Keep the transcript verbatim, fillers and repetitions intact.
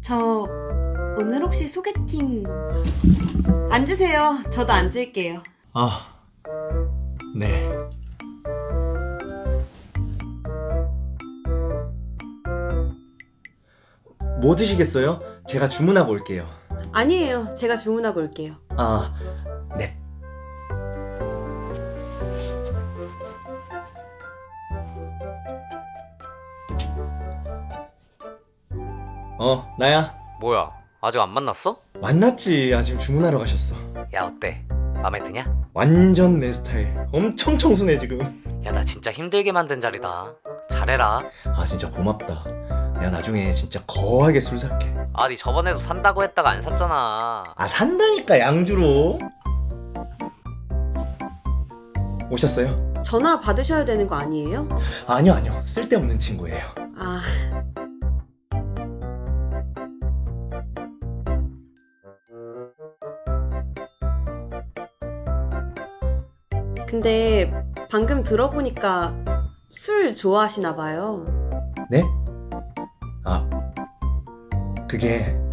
저 오늘 혹시 소개팅... 앉으세요. 저도 앉을게요. 아, 네. 뭐 드시겠어요? 제가 주문하고 올게요. 아니에요. 제가 주문하고 올게요. 아, 네. 어, 나야. 뭐야, 아직 안 만났어? 만났지. 아직 주문하러 가셨어. 야, 어때? 맘에 드냐? 완전 내 스타일. 엄청 청순해 지금. 야, 나 진짜 힘들게 만든 자리다. 잘해라. 아, 진짜 고맙다. 내가 나중에 진짜 거하게 술 살게. 아, 니 저번에도 산다고 했다가 안 샀잖아. 아, 산다니까 양주로. 오셨어요? 전화 받으셔야 되는 거 아니에요? 아니요, 아니요. 쓸데없는 친구예요. 아... 근데 방금 들어보니까 술 좋아하시나 봐요. 네? 아, 그게